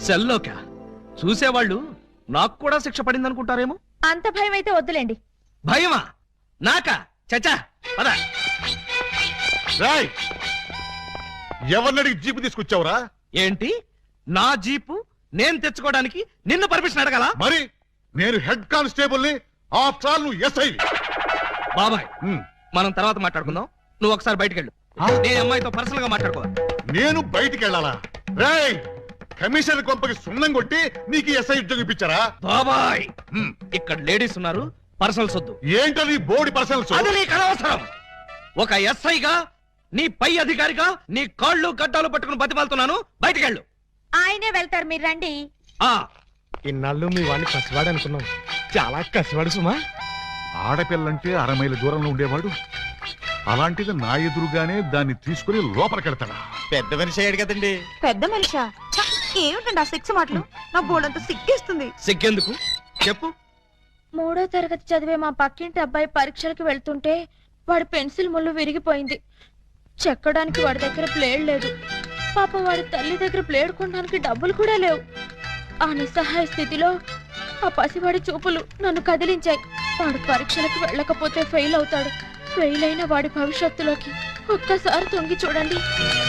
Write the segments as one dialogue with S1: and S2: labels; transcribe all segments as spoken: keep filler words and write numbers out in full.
S1: సెల్లోకా చూసేవాళ్ళు నాకు కూడా శిక్ష పడింది అనుకుంటారేమో.
S2: అంత భయం అయితే వద్దులేండి.
S1: భయమా నాకా? చచ్చా పద.
S3: ఎవరినడికి జీపు తీసుకొచ్చావురా?
S1: ఏంటి నా జీపు నేను తెచ్చుకోవడానికి నిన్ను పర్మిషన్ అడగాల?
S3: మరి నేను హెడ్ కానిస్టేబుల్ ని, ఆఫ్టర్ ఆల్ నువ్వు ఎస్ఐ.
S1: బాబాయ్ మనం తర్వాత మాట్లాడుకుందాం. నువ్వు ఒకసారి బయటికి వెళ్ళు. నేను అమ్మాయితో పర్సనల్ గా మాట్లాడుకోవాలి.
S3: నేను బయటికి వెళ్ళాలా? రేయ్ కమిషనర్ కొంపకి సున్నం కొట్టి నీకు ఎస్ఐ ఉద్యోగం ఇప్పించారా?
S1: బాబాయ్ ఇక్కడ లేడీస్ ఉన్నారు, పర్సనల్స్ వద్దు.
S3: ఏంటో నీ బోర్డు పర్సనల్స్?
S1: అది నీకు అనవసరం. ఒక ఎస్ఐగా నీ పై అధికారిగా నీ కాళ్ళు గడ్డాలు పట్టుకుని బతిమాలుతున్నాను. బయటికి వెళ్ళు.
S2: ఆయనే వెళ్తారు, మీరు రండి.
S1: ఆ
S4: ఇన్నాళ్ళు మీ వాడిని కసివాడు అనుకున్నాం, చాలా కసివాడు సుమా.
S3: ఆడపిల్లంటే అర మైల దూరంలో ఉండేవాడు, అలాంటిది నా ఎదురుగానే దాన్ని తీసుకుని లోపలికెడతాడా?
S5: పెద్ద మనిషి అయ్యాడు కదండి.
S6: పెద్ద మనిషా? ఏమిటండి ఆ సిక్స్ మాటలు? నా బోర్డంతా సిగ్గేస్తుంది.
S1: సిగ్గెందుకు చెప్పు.
S2: మూడో తరగతి చదివే మా పక్కింటి అబ్బాయి పరీక్షలకు వెళ్తుంటే వాడి పెన్సిల్ ముళ్ళు విరిగిపోయింది. చెక్కడానికి వాడి దగ్గర ప్లేడ్ లేదు. పాపం వాడి తల్లి దగ్గర ప్లేడ్ కొనడానికి డబ్బులు కూడా లేవు. ఆ నిస్సహాయ స్థితిలో ఆ పసివాడి చూపులు నన్ను కదిలించాయి. వాడు పరీక్షలకు వెళ్ళకపోతే ఫెయిల్ అవుతాడు. ఫెయిల్ అయిన వాడి భవిష్యత్తులోకి ఒక్కసారి తొంగి చూడండి.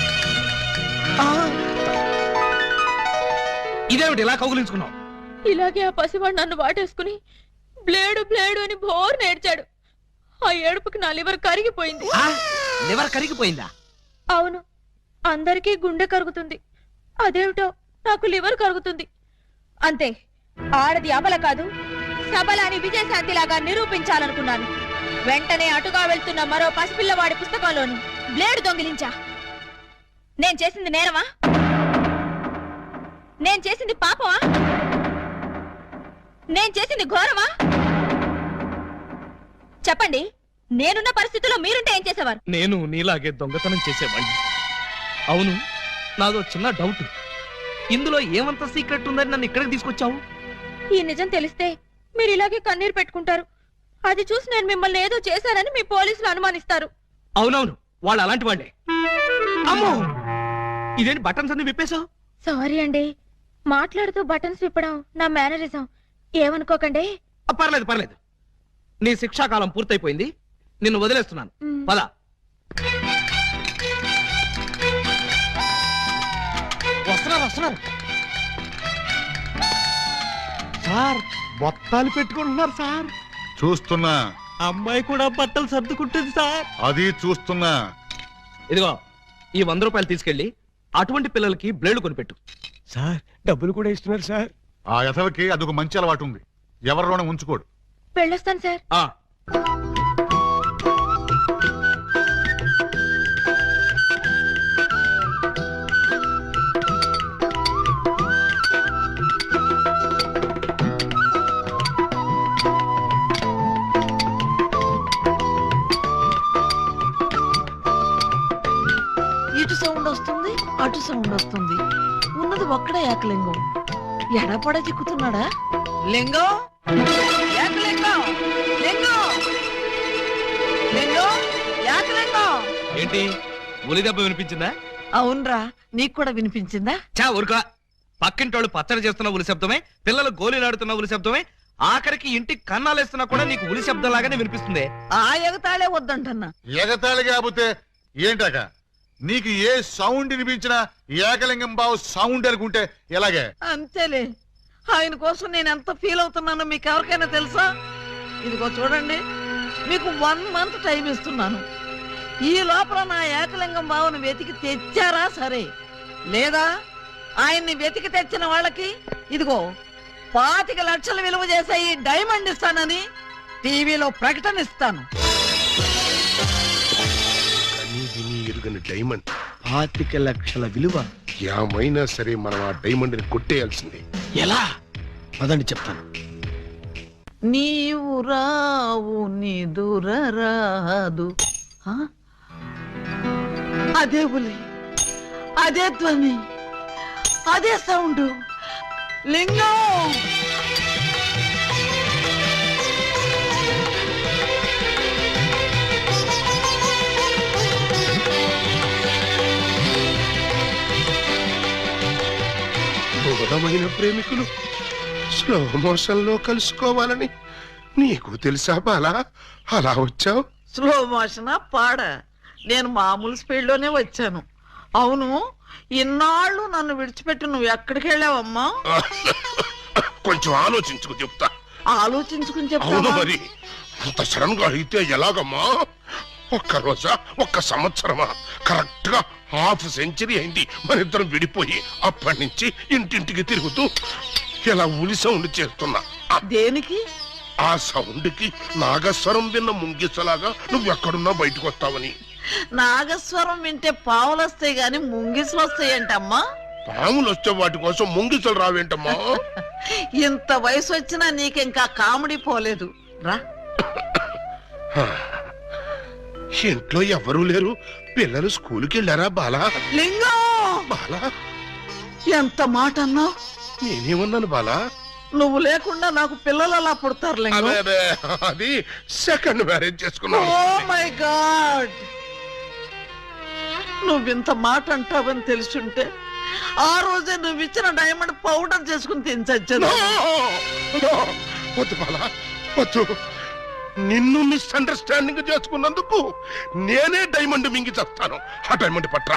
S1: ఇదేమిటి ఇలా కౌగులించుకున్నావు?
S2: ఇలాగే ఆ పసివాడు నన్ను వాటేసుకుని బ్లేడు బ్లేడు అని బోర్ నేర్చాడు. ఆ ఏడుపుకి నా లివర్ కరిగిపోయింది.
S1: లివర్ కరిగిపోయిందా?
S2: అవును, అందరికీ గుండె కరుగుతుంది, అదేమిటో నాకు లివర్ కరుగుతుంది. అంతే, ఆడది అబల కాదు సబల అని విజయశాంతి లాగా నిరూపించాలనుకున్నాను. వెంటనే అటుగా వెళ్తున్న మరో పసిపిల్లవాడి పుస్తకంలోని బ్లేడు దొంగిలించా. నేను చేసింది నేరమా? నేను చేసింది పాపమా? నేను చేసింది ఘోరమా? చెప్పండి. నేనున్న పరిస్థితుల్లో మీరుంటే ఏం చేసేవారు?
S1: నేను నీలాగే దొంగతనం చేసేవాడిని. అవును, నాదో చిన్న డౌట్. ఇందులో ఏమంత సీక్రెట్ ఉందని నన్ను ఇక్కడికి తీసుకొచ్చావు?
S2: ఈ నిజం తెలిస్తే మీరు ఇలాగే కన్నీరు పెట్టుకుంటారు. అది చూసి నేను మిమ్మల్ని ఏదో చేశానని మీ పోలీసులు అనుమానిస్తారు.
S1: అవునవును, వాళ్ళు అలాంటి వాళ్ళే. అమ్మో, ఇదేంటి బటన్స్ అన్ని విప్పేశావు?
S2: సారీ అండి, మాట్లాడుతూ బటన్స్ విప్పడం నా మేనరిజం, ఏమనుకోకండి.
S1: పర్లేదు పర్లేదు, నీ శిక్షాకాలం పూర్తయిపోయింది, నిన్ను వదిలేస్తున్నాను. పద. వస్తున్నారు వస్తున్నారు.
S4: సార్ బొత్తాలు పెట్టుకుంటున్నారు సార్.
S3: చూస్తున్నా.
S4: అమ్మాయి కూడా బట్టలు సర్దుకుంటుంది సార్.
S3: అది చూస్తున్నా.
S1: ఇదిగో ఈ వంద రూపాయలు తీసుకెళ్లి అటువంటి పిల్లలకి బ్లేడ్ కొనిపెట్టు.
S4: సార్ డబ్బులు కూడా ఇస్తున్నారు సార్.
S3: ఆ యథవకి అదొక మంచి అలవాటు ఉంది, ఎవరిలోనే ఉంచుకోడు.
S2: వెళ్ళొస్తాను సార్.
S1: ఆ
S7: ఇటు సౌండ్ వస్తుంది, అటు సౌండ్ వస్తుంది. ఉన్నది ఒక్కడే ఏకలింగం. ఎడపడ చిక్కుతున్నాడా? లింగం, ఏకలింగం, లింగం, లింగం, ఏకలింగం.
S1: ఏంటి ఉలి దెబ్బ వినిపించిందా?
S7: అవునరా, నీకు కూడా వినిపించిందా?
S1: చా ఊరుకా. పక్కింటోళ్ళు పచ్చడి చేస్తున్న ఉలి శబ్దమే, పిల్లలు గోళీలాడుతున్న ఉలి శబ్దమే, ఆఖరికి ఇంటికి కన్నాలేస్తున్నా కూడా నీకు ఉలి శబ్దం లాగానే వినిపిస్తుంది.
S7: ఆ ఎగతాళే వద్దంటన్నా.
S3: ఎగతాళి కాకపోతే ఏంటాక? నీకు ఏ సౌండ్ వినిపించినా ఏకలింగం బావు సౌండ్ అనుకుంటే ఎలాగే?
S7: అంతేలే, ఆయన కోసం నేను ఎంత ఫీల్ అవుతున్నానో మీకు ఎవరికైనా తెలుసా? ఇదిగో చూడండి, మీకు వన్ మంత్ టైం ఇస్తున్నాను. ఈ లోపల నా ఏకలింగం బావును వెతికి తెచ్చారా సరే, లేదా ఆయన్ని వెతికి తెచ్చిన వాళ్ళకి ఇదిగో పాతిక లక్షలు విలువ చేసే ఈ డైమండ్ ఇస్తానని టీవీలో ప్రకటన ఇస్తాను.
S8: డైమండ్
S4: పాతిక లక్షల విలువ.
S8: ఏమైనా సరే మనం ఆ డైమండ్ ని కొట్టేయాల్సిందే.
S4: ఎలా? పదండి చెప్తాను.
S7: నీవు రావు నిదురరాదు. అదే బులి, అదే ధ్వని, అదే సౌండ్. లింగం,
S8: క్రూరమైన ప్రేమికులు స్లో మోషన్ లో కలుసుకోవాలని నీకు తెలుసా బాలా? అలా వచ్చావు.
S7: స్లో మోషనా పాడ నేను మామూలు స్పీడ్ లోనే వచ్చాను. అవును, ఇన్నాళ్ళు నన్ను విడిచిపెట్టి నువ్వు ఎక్కడికి వెళ్ళావమ్మా?
S8: కొంచెం ఆలోచించుకు చెప్తా.
S7: ఆలోచించుకుని
S8: అవును
S7: చెప్తావా?
S8: మరి అంత సడన్ గా అయితే ఎలాగమ్మా? ఒక్క రోజా, ఒక్క సంవత్సరమా? కరెక్ట్ గా హాఫ్ సెంచరీ అయింది మన ఇద్దరం విడిపోయి. అప్పటి నుంచి ఇంటింటికి తిరుగుతూ ఇలా ఉలి సౌండ్ చేస్తున్నా.
S7: దేనికి?
S8: ఆ సౌండ్ కి నాగస్వరం విన్న ముంగిసలాగా నువ్వెక్కడున్నా బయటకు వస్తావని.
S7: నాగస్వరం వింటే పావులు వస్తాయి గాని ముంగిసులు వస్తాయంటమ్మా.
S8: పాములు వచ్చే వాటి కోసం ముంగిసలు రావేంటమ్మా?
S7: ఇంత వయసు వచ్చినా నీకింకా కామెడీ పోలేదు రా.
S8: ఇంట్లో ఎవరూ లేరు. పిల్లలు స్కూల్కి వెళ్ళారా బాలా?
S7: లింగం,
S8: బాలా,
S7: ఎంత మాట అన్నావు?
S8: నేనేమన్నాను బాలా?
S7: నువ్వు లేకుండా నాకు పిల్లలు అలా పుడతారు లింగం.
S8: అదే అదే, అది సెకండ్ మ్యారేజ్ చేసుకున్నాను.
S7: ఓ మై గాడ్, నువ్వింత మాట అంటావని తెలుసుంటే ఆ రోజే నువ్వు ఇచ్చిన డైమండ్ పౌడర్ చేసుకుని తినచచ్చాను.
S8: వద్దు బాలా, వద్దు. నిన్ను మిస్అండర్స్టాండింగ్ చేసుకున్నందుకు నేనే డైమండ్ మింగి చేస్తాను. ఆ డైమండ్ పట్రా.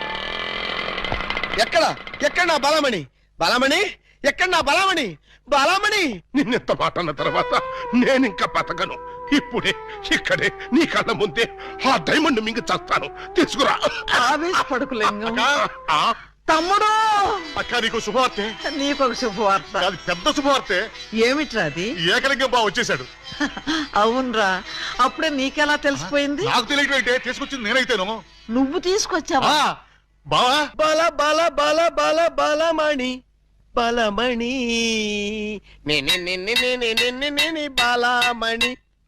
S4: ఎక్కడ ఎక్కడ నా బలమణి? బలమణి ఎక్కడ నా బలమణి? బలమణి
S8: నిన్నెంత మాట అన్న తర్వాత నేనింకా బతకను. ఇప్పుడే ఇక్కడే నీ కళ్ళ ముందే ఆ డైమండ్ మింగి చేస్తాను. తీసుకురా.
S7: ఆవేశపడకు లింగం.
S3: ఆ,
S7: తమ్ముడు,
S3: అక్క నీకు శుభవార్తె.
S7: నీకొక శుభవార్త.
S3: అది పెద్ద శుభవార్తె.
S7: ఏమిట్రా అది?
S3: ఏకలింగం బావ వచ్చేసాడు.
S7: అవునరా, అప్పుడే నీకెలా తెలిసిపోయింది?
S3: నాకు తెలియటం ఏంటే, తీసుకొచ్చింది నేనైతేను.
S7: నువ్వు తీసుకొచ్చావా?
S3: ఆ, బావా
S4: బల బల బల బల బలమణి బలమణి నేనే నిన్నే నేనే నిన్నే నేనే బలమణి.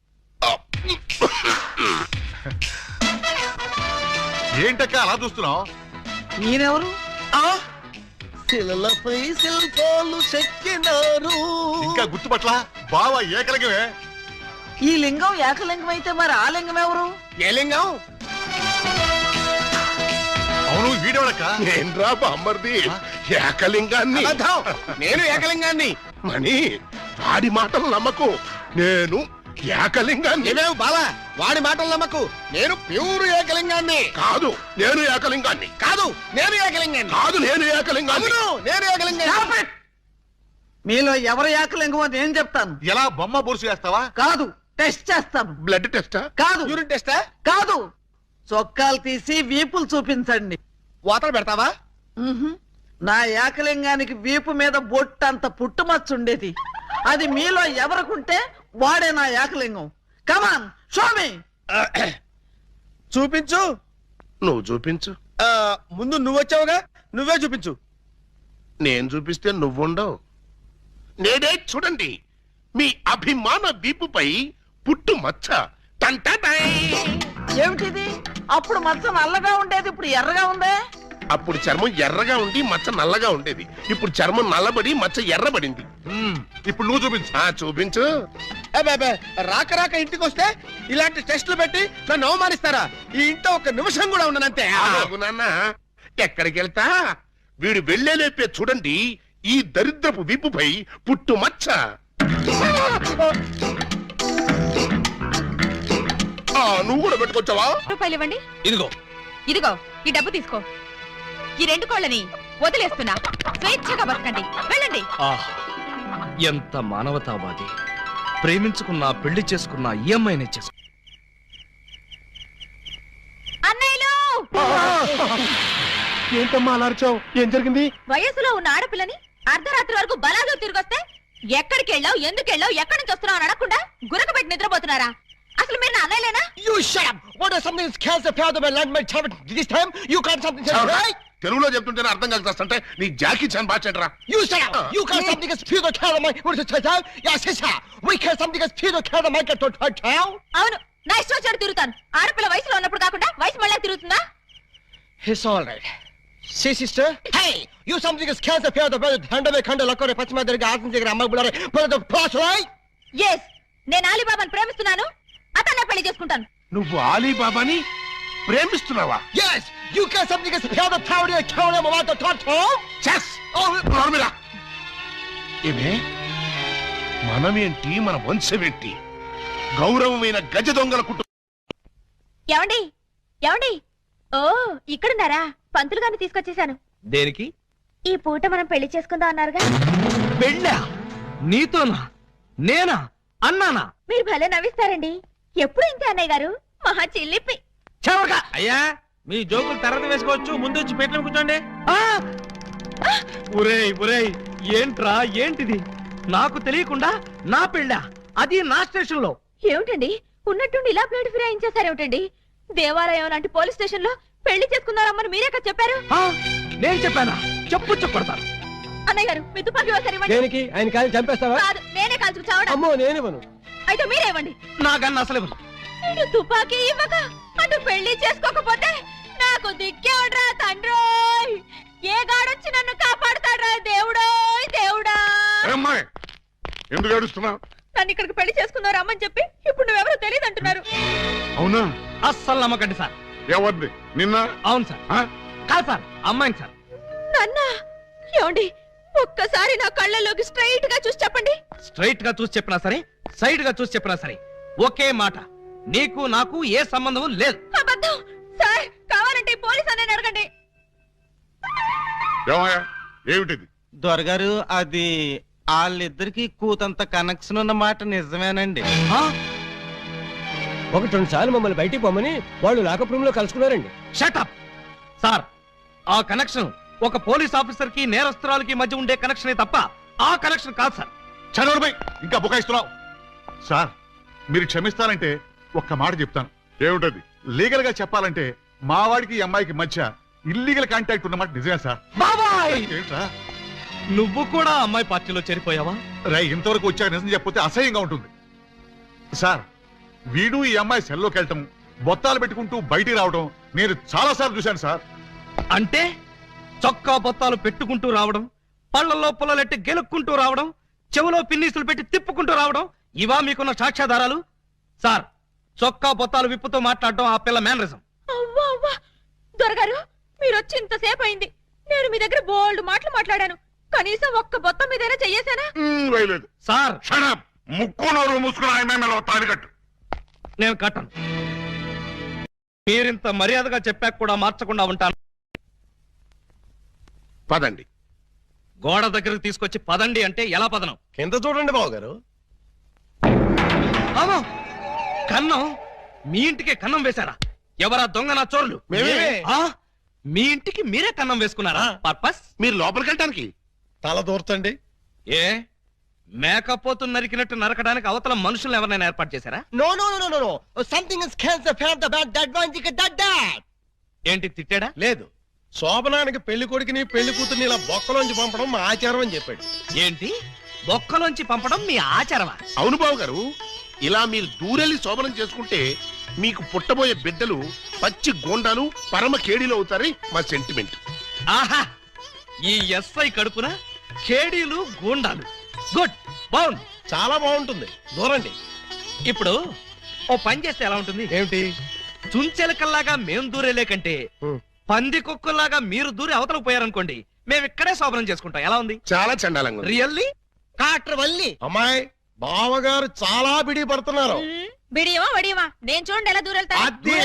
S3: ఏంటక్క అలా చూస్తున్నావు?
S7: నేనెవరు?
S4: శిలలపై శిల్పాలు చెక్కినారు.
S3: ఇంకా గుర్తుపట్ల బావా ఏకలింగమే.
S7: ఈ లింగం ఏకలింగం అయితే మరి ఆ లింగం ఎవరు?
S4: ఏ లింగం?
S3: అవును, వీడేవాడక్క.
S8: నేను రా బామ్మర్ది, ఏకలింగాన్ని.
S4: అబద్ధం. నేను ఏకలింగాన్ని.
S8: మణి, వాడి మాటలు నమ్మకు. నేను ఏకలింగాన్ని.
S4: ఏమేవు బాలా, వాడి మాటలు నమ్మకు. నేను ప్యూర్ ఏకలింగాన్ని.
S8: కాదు, నేను ఏకలింగాన్ని.
S4: కాదు, నేను ఏకలింగాన్ని.
S8: కాదు, నేను ఏకలింగాన్ని.
S4: అవును, నేను ఏకలింగాన్ని.
S7: మీలో ఎవరు ఏకలింగమో నేను చెప్తాను.
S3: ఎలా బొమ్మ బొరుసు వేస్తావా?
S7: కాదు, టెస్ట్ చేస్తాను.
S8: బ్లడ్ టెస్టా?
S7: కాదు,
S4: యూరిన్ టెస్టా?
S7: కాదు, చొక్కాలు తీసి వీపులు చూపించండి.
S4: వాతలు పెడతావా?
S7: మ్హూ. నా ఏకలింగానికి వీపు మీద బొట్టంత పుట్టుమచ్చ ఉండేది. అది మీలో ఎవరికుంటే వాడే నా ఏకలింగం. కమాన్, షోమి.
S4: చూపించు.
S8: నువ్వు చూపించు.
S4: ఆ, ముందు నువ్వు వచ్చావుగా, నువ్వే చూపించు.
S8: నేను చూపిస్తే నువ్వుండవు. నేనే చూడండి, మీ అభిమాన వీపుపై పుట్టు మచ్చ. టంటటై.
S7: ఏమిటిది? అప్పుడు మచ్చ నల్లగా ఉండేది, ఇప్పుడు ఎర్రగా ఉందే.
S8: అప్పుడు చర్మం ఎర్రగా ఉండి మచ్చ నల్లగా ఉండేది. ఇప్పుడు చర్మం నల్లబడి మచ్చ ఎర్రబడింది.
S3: ఉమ్, ఇప్పుడు నువ్వు చూపించు.
S8: ఆ చూపించు.
S4: అబ్బే, అబ్బే, రాక రాక ఇంటికి వస్తే ఇలాంటి టెస్టులు పెట్టి నన్ను అవమానిస్తారా? ఈ ఇంట్లో ఒక నిమిషం కూడా ఉండనంతే.
S8: ఆగు నాన్న, ఎక్కడికి వెళ్తా? వీడు వెళ్ళేలేపే చూడండి, ఈ దరిద్రపు వీపుపై పుట్టు మచ్చ. ఆ, నువ్వు కూడా పెట్టుకొచ్చావా?
S5: రూపాయలు ఇవ్వండి.
S1: ఇదిగో.
S5: ఇదిగో ఈ డబ్బు తీసుకో. ఈ రెండు కోళ్ళని వదిలేస్తున్నా. స్వేచ్ఛగా బతకండి, వెళ్ళండి.
S1: ఆహ్, ఎంత మానవతావాది. ప్రేమించుకున్నా, పెళ్లి చేసుకున్నా ఈ అమ్మాయినే చేసుకు.
S5: అన్నయ్యలు,
S4: ఏంటమ్మా అలా అరిచావు? ఏం జరిగింది?
S5: వయసులో ఉన్న ఆడపిల్లని అర్ధరాత్రి వరకు బలాదు తిరిగొస్తే ఎక్కడికి వెళ్ళావు, ఎందుకు వెళ్ళావు, ఎక్కడి నుంచి వస్తున్నావు అని అడగకుండా గురకబెట్టి నిద్రపోతున్నారా? అసలు మీరు నా అన్నయ్యలేనా?
S4: You shut up! What is something that scares the fear of my land, my child? This time you can't something else, right?
S8: తెలుగులో చెప్తుంటేనే అర్థం కలుగుతాంటే నీ జాకీ చాన్ బాచెంట్రా.
S4: You shut up! You can't something that fear the care of my... What is it, child? Yes, sister! We can't something that fear the care of my child?
S5: అవును, నా ఇష్టం వచ్చాడు తిరుగుతాను. ఆడపిల్ల వయసులో ఉన్నప్పుడు కాకుండా వయసు మళ్ళీ తిరుగుతుందా?
S4: It's all right. See, sister? Hey! You something that scares the fear of the brother. Handle kanda lakore pachima derga asin jegara amma bulare. But the plus, right?
S5: Yes, నేను అలీబాబాను ప్రేమిస్తున్నాను. అతన్నే పెళ్లి చేసుకుంటాను.
S8: నువ్వు ఆలీబాబాని ప్రేమిస్తున్నావా?
S4: Yes! You can't something that fear the tower of the tower of the tower.
S8: Chess! నోర్మిరా, ఏమే మనమేంటి మన వంశమేంటి గౌరవమైన గజ దొంగల కుటుంబం.
S5: ఏమండి ఏమండి ఓ ఇక్కడున్నారా? పంతులు గారిని తీసుకొచ్చేసాను.
S1: దేనికి?
S5: ఈ పూట మనం పెళ్లి చేసుకుందాం అన్నారుగా.
S1: పెళ్ళా? నీతోనా? నేనా? అన్నానా?
S5: మీరు భలే నవ్విస్తారండి. ఎప్పుడు ఇంతే అన్నయ్య గారు, మహా చిల్లిపి.
S1: చెవగా అయ్యా, మీ జోకులు తర్వాత వేసుకోవచ్చు, ముందు వచ్చి పెట్టిన కూర్చోండి. ఒరేయ్ ఒరేయ్, ఏంట్రా ఏంటిది? నాకు తెలియకుండా నా పెళ్ళా, అది నా స్టేషన్ లో.
S5: ఏమిటండి ఉన్నట్టుండి ఇలా ప్లేట్ ఫిరాయించేశారేమిటండి? దేవాలయం లాంటి పోలీస్ స్టేషన్ లో పెళ్లి చేసుకున్నారమ్మని మీరే కదా చెప్పారు.
S1: నేను చెప్పానా? చెప్పు చెప్పడతాను.
S5: అన్నయ్య గారు మీ తుపాకీ ఒకసారి ఇవ్వండి.
S4: దేనికి? ఆయన కాలు చంపేస్తావా?
S5: కాదు, నేనే కాల్చుకు చావడం.
S4: అమ్మో నేనేమను.
S5: అయితే మీరే ఇవ్వండి.
S1: నాకన్నా అసలు ఇవ్వను.
S5: నేను తుపాకీ ఇవ్వక అటు పెళ్లి చేసుకోకపోతే నాకు దిక్కేవడ్రా తండ్రోయ్. ఏ గాడొచ్చి నన్ను కాపాడుతాడ్రా దేవుడోయ్ దేవుడా.
S8: ఏమ్మాయ్, ఎందుకు ఏడుస్తున్నావు?
S5: నన్ను ఇక్కడికి పెళ్లి చేసుకున్నారు అమ్మని చెప్పి ఇప్పుడు నువ్వెవరో తెలియదు అంటున్నారు.
S8: అవునా?
S1: అస్సలు నమ్మకండి సార్.
S8: ఎవరిది? నిన్న?
S1: అవును సార్.
S8: ఆ?
S1: కాదు సార్, అమ్మాయిని సార్.
S5: నాన్న ఏమండి, ఒక్కసారి నా కళ్ళలోకి స్ట్రైట్ గా చూసి చెప్పండి.
S1: స్ట్రైట్ గా చూసి చెప్పినా సరే, సైడ్ గా చూసి చెప్పినా సరే, ఒకే మాట, నీకు నాకు ఏ సంబంధం లేదు.
S5: అబద్ధం సార్. కావాలంటే పోలీస్ అనే అడగండి.
S3: ఏమయ్యా, ఏమిటిది?
S9: దొరగారు, అది వాళ్ళిద్దరికి కూతంత కనెక్షన్ ఉన్న మాట నిజమేనండి.
S1: ఆ?
S4: ఒకటి రెండు సార్లు మమ్మల్ని బయటికి పొమ్మని వాళ్ళు లాకప్ రూమ్ లో కలుసుకున్నారండి.
S1: Shut up! సార్, ఆ కనెక్షన్ ఒక పోలీస్ ఆఫీసర్ కి నేరస్తురాలకి మధ్య ఉండే కనెక్షనే తప్ప ఆ కనెక్షన్ కాదు సార్.
S3: చదవడమై ఇంకా బుకాయిస్తున్నావు. సార్, మీరు క్షమిస్తానంటే ఒక్క మాట చెప్తాను. ఏమిటది? లీగల్ గా చెప్పాలంటే మా వాడికి ఈ అమ్మాయికి మధ్య ఇల్లీగల్ కాంటాక్ట్ ఉన్నమాట నిజమే సార్.
S1: బాబాయ్,
S3: ఏంట్రా
S1: నువ్వు కూడా అమ్మాయి పార్టీలో చేరిపోయావా?
S3: రై, ఇంతవరకు వచ్చాక నిజం చెప్పితే అసహ్యంగా ఉంటుంది సార్. వీడు ఈ అమ్మాయి సెల్లోకి వెళ్ళటం, బొత్తాలు పెట్టుకుంటూ బయటికి రావడం నేను చాలా సార్లు చూశాను సార్.
S1: అంటే చొక్కా బొత్తాలు పెట్టుకుంటూ రావడం, పళ్ళల్లో పుల్లలెట్టి గెలుక్కుంటూ రావడం, చెవులో పిన్నీసులు పెట్టి తిప్పుకుంటూ రావడం, ఇవా మీకున్న సాక్ష్యాధారాలు? సార్, చొక్కా బొత్తాలు విప్పుతూ మాట్లాడడం ఆ పిల్ల మేనరిజం.
S5: అవ్వా అవ్వా, దొరగారు మీరు వచ్చి ఇంతసేపు అయింది. నేను మీ దగ్గర బోల్డ్ మాటలు మాట్లాడాను. కనీసం ఒక్క బొత్తం మీదైనా చెయ్యేశానా?
S8: ఉమ్, వేయలేదు.
S1: Sir,
S8: Shut up! ముక్కు నోరు మూసుకుని ఆయన మీద తాడి కట్టు.
S1: నేను కట్టను. మీరింత మర్యాదగా చెప్పాక కూడా మార్చకుండా ఉంటాను.
S8: పదండి.
S1: గోడ దగ్గరకు తీసుకొచ్చి పదండి అంటే ఎలా పదనం?
S4: కింద చూడండి బాబు గారు.
S1: అవును, కన్నం. మీ ఇంటికే కన్నం వేశారా? ఎవరా దొంగ నా చోరులు?
S8: మేమే.
S1: ఆ? మీ ఇంటికి మీరే కన్నం వేసుకున్నారా? పర్పస్?
S8: మీరు లోపలికి వెళ్ళటానికి
S4: తల దూర్చండి.
S1: ఏ మేకపోతు నరికినట్టు నరకడానికి అవతల మనుషులను ఎవరైనా ఏర్పాటు చేశారా?
S4: No no no no no something is cancer fan the bad that one thick that that.
S1: ఏంటి తిట్టాడా?
S4: లేదు, శోభనానికి పెళ్లి కొడుకుని పెళ్లి కూతుర్ని ఇలా బొక్కలోంచి పంపడం మా ఆచారం అని చెప్పాడు.
S1: ఏంటి బొక్కలోంచి పంపడం మీ ఆచారమా?
S8: అవును బాబు గారు, ఇలా మీరు దూరెళ్ళి శోభనం చేసుకుంటే మీకు పుట్టబోయే బిడ్డలు పచ్చి గోండాలు పరమ కేడీలు అవుతారని మా సెంటిమెంట్.
S1: ఆహా, ఈ ఎస్ఐ కడుపున కేడీలు గూండాలు. గుడ్, బాగుంది,
S4: చాలా బాగుంటుంది. దూరండి.
S1: ఇప్పుడు ఓ పని చేస్తే ఎలా ఉంటుంది?
S4: ఏమిటి?
S1: చుంచెలకల్లాగా మేం దూరేలే కంటే పంది కుక్కల్లాగా మీరు దూరి అవతలకు పోయారనుకోండి, మేము ఇక్కడే శోభనం చేసుకుంటాం. ఎలా ఉంది?
S8: చాలా చండాలంగా ఉంది.
S1: రియల్లీ?
S4: కాట్ర వల్లి అమ్మాయి బావగారు చాలా బిడి పడుతున్నారు.
S5: బిడియమా వడియమా, నేను చూడండి ఎలా దూరెళ్తా.
S4: అదే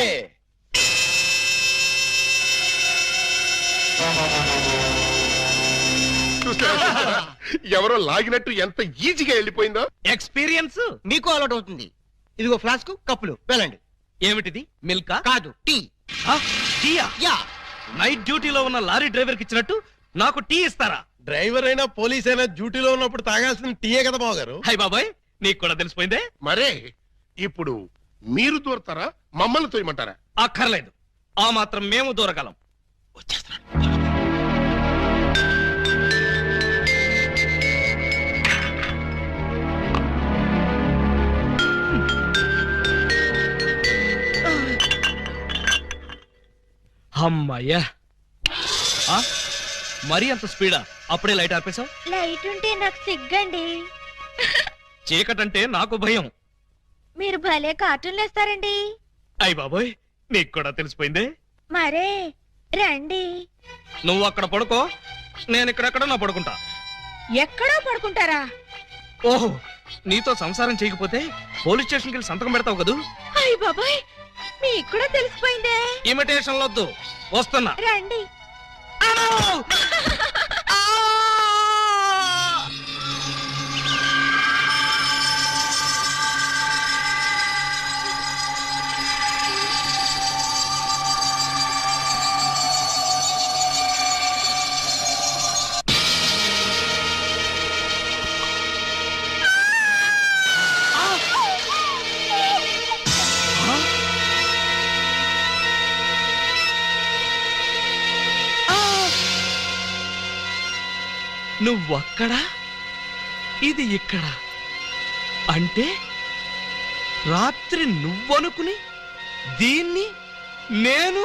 S8: చూసారా? ఎవరో లాగినట్టు ఎంత ఈజీగా వెళ్ళిపోయిందో.
S1: ఎక్స్పీరియన్స్
S4: మీకు అలవాటు అవుతుంది. ఇదిగో ఫ్లాస్క్, కప్పులు వెళ్ళండి.
S1: ఏమిటిది? మిల్కా?
S4: కాదు, టీ.
S1: ఆ, టీయా?
S4: యా.
S1: నైట్ డ్యూటీలో ఉన్న లారీ డ్రైవర్ కి ఇచ్చినట్టు నాకు టీ ఇస్తారా?
S4: డ్రైవర్ అయినా పోలీస్ అయినా డ్యూటీలో ఉన్నప్పుడు తాగాల్సిన టీయే కదా బావగారు.
S1: హై బాబాయ్, నీకు కూడా తెలిసిపోయిందే.
S8: మరే ఇప్పుడు మీరు దూరతారా, మమ్మల్ని తోయమంటారా?
S1: అక్కర్లేదు, ఆ మాత్రం మేము దూరగలం. వచ్చేస్తున్నాను. అమ్మయ్యా, ఆ? మరీ అంత స్పీడా? అప్పుడే లైట్ ఆర్పేశావు?
S2: లైట్ ఉంటే నాకు సిగ్గండి.
S1: చీకటంటే నాకు భయం.
S2: మీరు భలే కార్టూన్లు వేస్తారండి.
S1: అయ్ బాబోయ్, నీకు కూడా తెలిసిపోయిందే.
S2: మరే రండి.
S1: నువ్వు అక్కడ పడుకో, నేను ఇక్కడెక్కడ నా పడుకుంటా.
S2: ఎక్కడో పడుకుంటారా?
S1: ఓహో, నీతో సంసారం చేయకపోతే పోలీస్ స్టేషన్కి వెళ్ళి సంతకం పెడతావు కదూ.
S2: అయ్య బాబాయ్, మీకు కూడా తెలిసిపోయిందే.
S1: ఇమిటేషన్ వద్దు, వస్తున్నా.
S2: రండి.
S1: నువ్వక్కడ, ఇది ఇక్కడ. అంటే రాత్రి నువ్వనుకుని దీన్ని నేను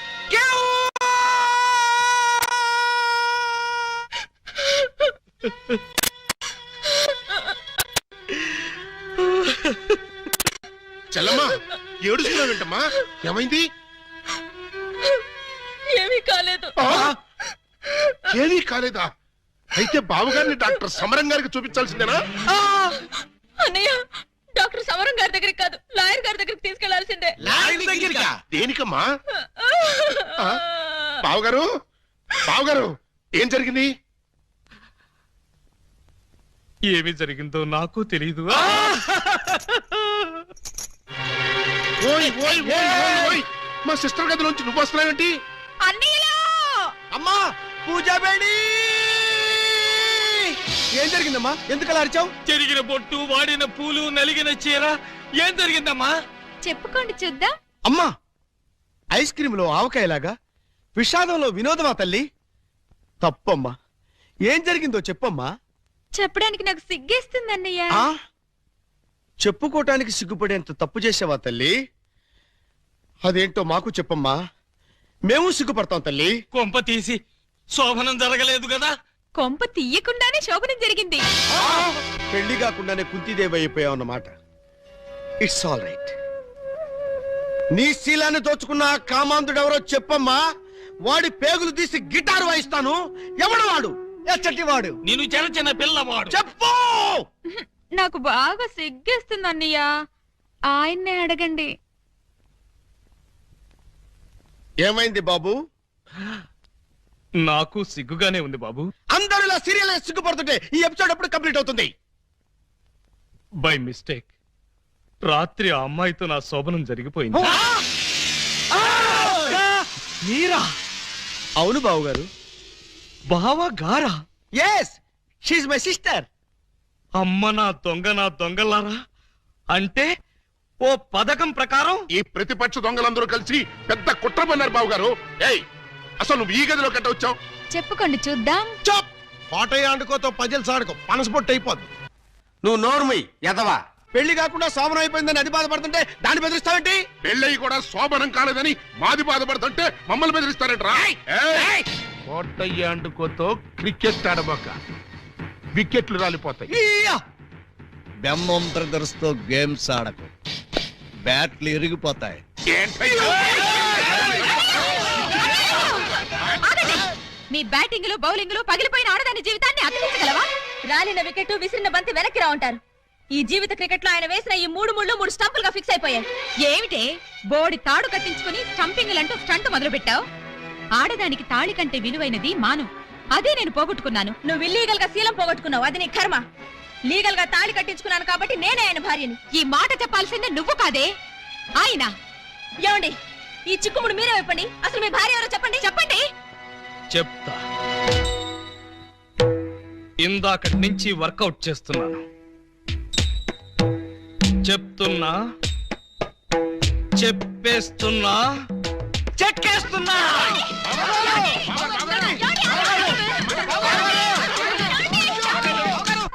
S8: చెల్లమ్మా, ఏడుస్తున్నావు ఏంటమ్మా? ఏమైంది?
S2: ఏమీ కాలేదు.
S8: ఏమీ కాలేదా? అయితే బావగారిని డాక్టర్ సమరం గారికి చూపించాల్సిందేనా?
S2: అన్నయ్య, డాక్టర్ సమరం గారి దగ్గరికి కాదు, లాయర్ గారి దగ్గరికి తీసుకెళ్లాల్సిందే.
S8: దేనికమ్మా? ఆ? బావగారు, బావగారు, ఏం జరిగింది?
S1: ఏమి జరిగిందో నాకు తెలీదు.
S8: ఓయ్ ఓయ్ ఓయ్ ఓయ్ ఓయ్, మా సిస్టర్ గదిలోంచి నువ్వు వస్తున్నావేంటి?
S2: అన్నయ్యలో
S4: అమ్మా, పూజా బేడి! ఏం జరిగిందమ్మా? ఎందుకు అలా అరిచావు?
S1: చెరిగిన బొట్టు, వాడిన పూలు, నలిగిన చీర. ఏం జరిగిందమ్మా?
S2: చెప్పుకోండి చూద్దాం.
S4: అమ్మా, ఐస్ క్రీమ్ లో ఆవకాయలాగా విషాదంలో వినోదమా తల్లి? తప్పమ్మా, ఏం జరిగిందో చెప్పమ్మా.
S2: చెప్పడానికి నాకు సిగ్గేస్తుంది అన్నయ్య.
S4: ఆ చెప్పుకోటానికి సిగ్గుపడేంత తప్పు చేసావా తల్లి? అదేంటో మాకు చెప్పమ్మా, మేము సిగ్గుపడతాం తల్లి.
S1: కొంప తీసి శోభనం జరగలేదు కదా?
S2: కొంప తీయకుండానే శోభనం జరిగింది.
S4: పెళ్లి కాకుండానే కుంతిదేవి అయిపోయావు అన్నమాట. It's all right. నీ శీలాన్ని దోచుకున్న ఆ కామాంధుడు ఎవరో చెప్పమ్మా. వాడి పేగులు తీసి గిటార్ వాయిస్తాను. ఎవడు వాడు? ఎచ్చటి వాడు?
S1: నేను చిన్న చిన్న పిల్లవాడు.
S4: చెప్పు.
S2: నాకు బాగా సిగ్గేస్తుంది అన్నయ్య, ఆయన్నే అడగండి.
S4: ఏమైంది బాబు?
S1: నాకు సిగ్గుగానే ఉంది బాబు.
S4: అందరూ ఇలా సీరియల్ సిగ్గుపడుతుంటే ఈ ఎపిసోడ్ ఎప్పుడు కంప్లీట్ అవుతుంది?
S1: బై మిస్టేక్ రాత్రి ఆ అమ్మాయితో నా శోభనం జరిగిపోయింది. మీరా?
S4: అవును బాబు గారు.
S1: బావా గారా?
S4: Yes, she's my sister.
S1: అమ్మ నా దొంగ, నా దొంగలారా. అంటే ఓ పథకం ప్రకారం
S8: ఈ ప్రతిపక్ష దొంగలందరూ కలిసి పెద్ద కుట్ర పన్నారు బావగారు. ఏయ్, అసలు నువ్వు ఈ గదిలో కట్ట వచ్చావు?
S2: చెప్పుకోండి చూద్దాం.
S4: చప్! పాటయ్య ఆడుకోతో పజల్ సాడుకో, పనసపొట్టు అయిపోద్ది. నువ్వు నోర్మై ఎదవా. పెళ్లి కాకుండా శోభనం అయిపోయిందని అది బాధపడుతుంటే దాన్ని బెదిరిస్తావేంటి?
S8: పెళ్ళయి కూడా శోభనం కాలేదని మాది బాధపడుతుంటే మమ్మల్ని బెదిరిస్తారంటరా? కోటయ్య అండుకోతో క్రికెట్ ఆడబోక, వికెట్లు రాలిపోతాయి.
S10: బెమ్మం బ్రదర్స్ తో గేమ్స్ ఆడకు, బ్యాట్లు ఇరిగిపోతాయి.
S5: మీ బ్యాటింగ్ లో బౌలింగ్ లో పగిలిపోయిన ఆడదాని జీవితాన్ని అతికించగలవా? రాలిన వికెట్, విసిరిన బంతి వెనక్కి రా ఉంటారు. ఈ జీవిత క్రికెట్ లో ఆయన వేసిన ఈ మూడు ముళ్ళు మూడు స్టంపులుగా ఫిక్స్ అయిపోయాయి. ఏమిటే బోడి తాడు కట్టించుకుని స్టంపింగ్ అంటూ స్టంట్ మొదలు పెట్టావు? ఆడదానికి తాళి కంటే విలువైనది మాను. అదే నేను పోగొట్టుకున్నాను. నువ్వు ఇల్లీగల్ గా శీలం పోగొట్టుకున్నావు, అది నీ కర్మ. లీగల్ గా తాళి కట్టించుకున్నాను కాబట్టి నేనే ఆయన భార్యని. ఈ మాట చెప్పాల్సిందే నువ్వు కాదే ఆయన. ఏమండి, ఈ చిక్కుముడు మీరే చెప్పండి. అసలు మీ భార్య ఎవరో చెప్పండి. చెప్పండి.
S1: చెప్తా. ఇందాకటి నుంచి వర్కౌట్ చేస్తున్నాను. చెప్తున్నా, చెప్పేస్తున్నా, చెక్కేస్తున్నా.
S5: ఏమండి? ఏమండి?